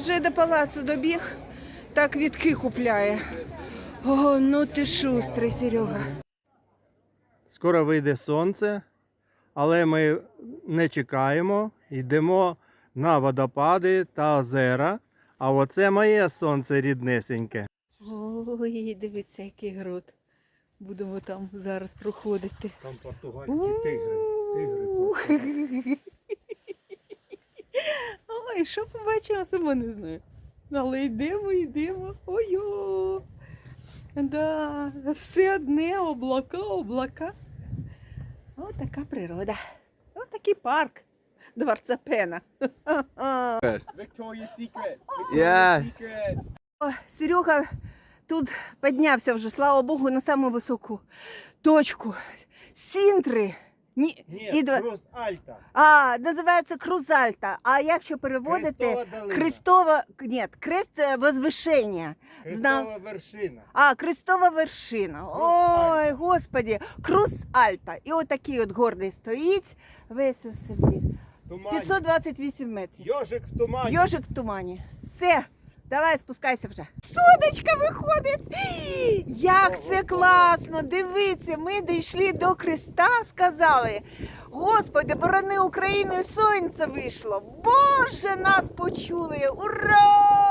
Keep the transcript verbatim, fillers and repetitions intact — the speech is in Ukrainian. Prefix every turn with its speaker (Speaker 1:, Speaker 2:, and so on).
Speaker 1: Вже до палацу добіг, так квітки купляє. О, ну ти шустрий, Серега.
Speaker 2: Скоро вийде сонце, але ми не чекаємо, йдемо на водопади та озера. А оце моє сонце ріднесеньке.
Speaker 1: Ой, дивіться, який грот. Будемо там зараз проходити.
Speaker 2: Там португальські тигри.
Speaker 1: тигри. Ой, що побачимо, сама не знаю. Але йдемо, йдемо. Ой-о! Да, все одне, облака, облака. Ось така природа. Ось такий парк. Дворца Пена.
Speaker 3: Victoria's Secret. Victoria's
Speaker 4: Yes.
Speaker 3: Secret.
Speaker 1: О, Серега тут піднявся вже, слава Богу, на саму високу точку. Сінтри. Ні,
Speaker 2: Ні,
Speaker 1: і два-
Speaker 2: Крус Альта.
Speaker 1: А, називається Крузальта. А якщо переводити,
Speaker 2: Хрестова долина.
Speaker 1: Крестова, ні, крест е, возвишення.
Speaker 2: Хрестова вершина.
Speaker 1: А, Крестова вершина.
Speaker 2: Крус
Speaker 1: Ой,
Speaker 2: Альта.
Speaker 1: господі, Круз Альта. І отакий от гордий стоїть, весь у собі.
Speaker 2: Тумані.
Speaker 1: п'ятсот двадцять вісім метрів.
Speaker 2: Йожик в тумані.
Speaker 1: Йожик в тумані. Все, давай спускайся вже. Сонечка виходить. Як це класно! Дивіться, ми дійшли до Христа, сказали. Господи, борони Україну, і сонце вийшло. Боже, нас почули. Ура!